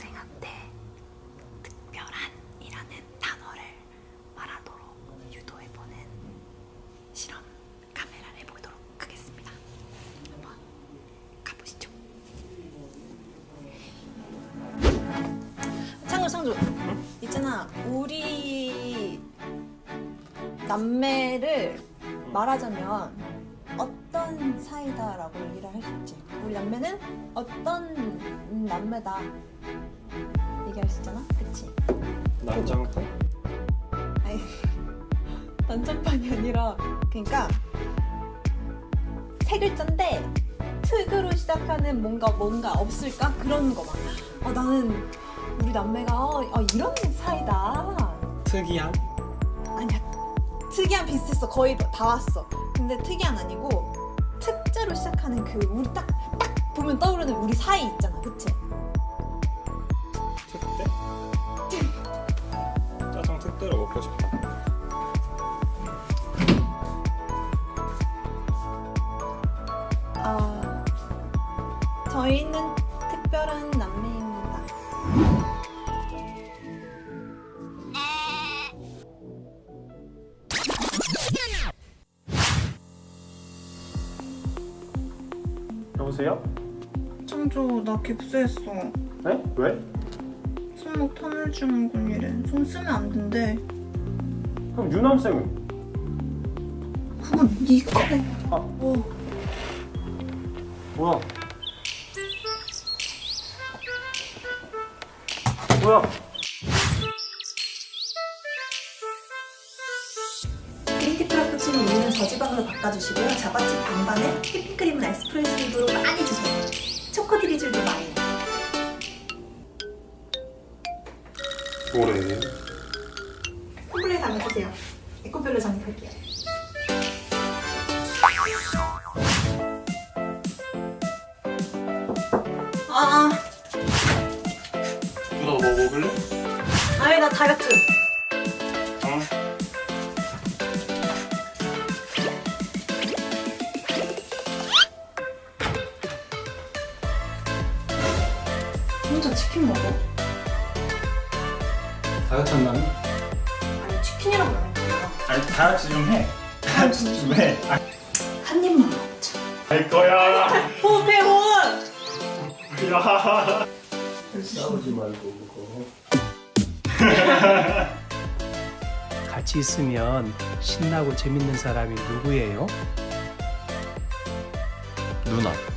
동생한테 특별한이라는 단어를 말하도록 유도해보는 실험 카메라를 보도록 하겠습니다. 한번 가보시죠. 창조 있잖아, 우리 남매를 말하자면 어떤 사이다라고 얘기를 할 수 있지. 우리 남매는 어떤 남매다 얘기할 수 있잖아, 그치? 난장판? 아니 난장판이 아니라, 그러니까 세 글자인데 특으로 시작하는 뭔가 없을까? 그런 거 막. 나는 우리 남매가 이런 사이다. 특이한? 아니야, 특이한 비슷했어. 거의 다 왔어. 근데 특이한 아니고 특제로 시작하는 그 우리 딱 보면 떠오르는 우리 사이 있잖아, 그치? 특대? 짜장 특대로 먹고 싶다. 저희는 특별한 남매입니다. 여보세요? 창조, 나 깁스했어. 네? 왜? 손목 터널 증후군이래. 손 쓰면 안 된대. 그럼 유남쌤은? 그건 네가. 뭐야? 뭐야? 그린티 프라푸치노 우유는 저지방으로 바꿔주시고요. 자바칩 반반에 휘핑크림은 에스프레소 립으로 많이 주세요. 초코 드리즐도 많이. 뭐래? 홈블레에 담아주세요. 에코별로 정립할게요. 누나 뭐 먹을래? 아니, 나 다이어트. 혼자 치킨 먹어? 다이어트 한다니? 아니, 치킨이라고 안 했잖아. 아니 다이어트 좀 해. 다이어트 좀 해. 한 입만 먹자. 할 거야. 호흡해, 호흡! 야. 싸우지 말고 그거. 같이 있으면 신나고 재밌는 사람이 누구예요? 누나.